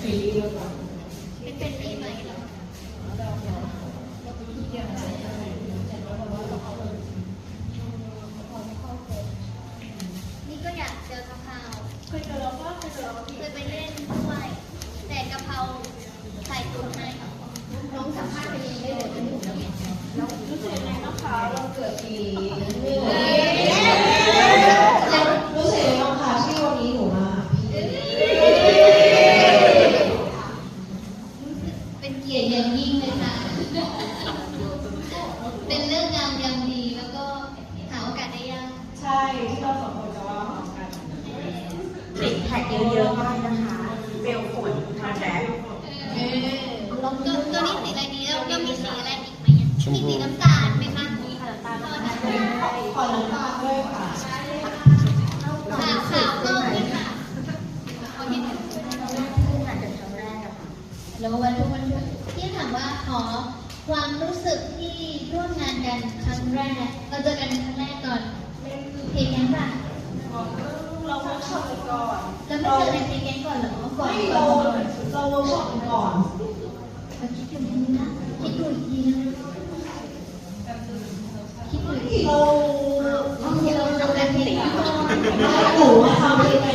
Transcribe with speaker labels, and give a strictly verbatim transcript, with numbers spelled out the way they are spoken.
Speaker 1: ซีรีส์เรื่องอะไร
Speaker 2: เป็นเป็นรีไหมเหรอนี่ก็อยากเจอกะเพราเคยเจอแล้วก็เคยเจอแล้วเคยไปเล่นด้วยแต่กะเพราใส่ตุ๋นให้น้องสัมภาษณ์ไปเองได้เลยเป็นหนูแล้วแล้วรู้สึกยังไงบ้างคะเราเกิดปี
Speaker 3: แล้วรู้สึกยังไงบ้างคะที่วันนี้หนูมา
Speaker 2: เป็นเกียรติอย่างยิ่งเลยค่ะเป็นเรื่องงามยามดีแล้วก็หาโอกาสได้ยาก
Speaker 1: ใช่ที่เราสองคนจะว่าพร้อมกัน
Speaker 3: ติดแท็กเยอะๆมากนะคะเบลฝนทำแบ็ค
Speaker 2: ตัวตัวนี้สีอะไรดีแล้วก็มีสีอะไรอีกไหมมีสีน้ำตาลไหมคะมีสีน้ำตาล
Speaker 3: ขอน้ำตาลด้วยค่ะ
Speaker 2: ขาวขาวก็มีค่ะแล้ววันทุกวันทุกที่ถามว่าขอความรู้สึกที่ร่วมงานกันครั้งแรกเราเจอกันครั้งแรกก่อนเพลงยังป่ะ
Speaker 1: เราเวิร์กช็อปกันก่อน
Speaker 2: แล้วไม่เจอในเพลงยังก่อนเหรอก่อน
Speaker 3: เราเราเวิร์กช็อปกันก่อน
Speaker 2: เราคิดอยู่นะคิดดูอีกทีนะคิดดูอีกที
Speaker 3: เรา
Speaker 2: เราทำแบบเพลงก่อน
Speaker 3: หนูทำเพลงใน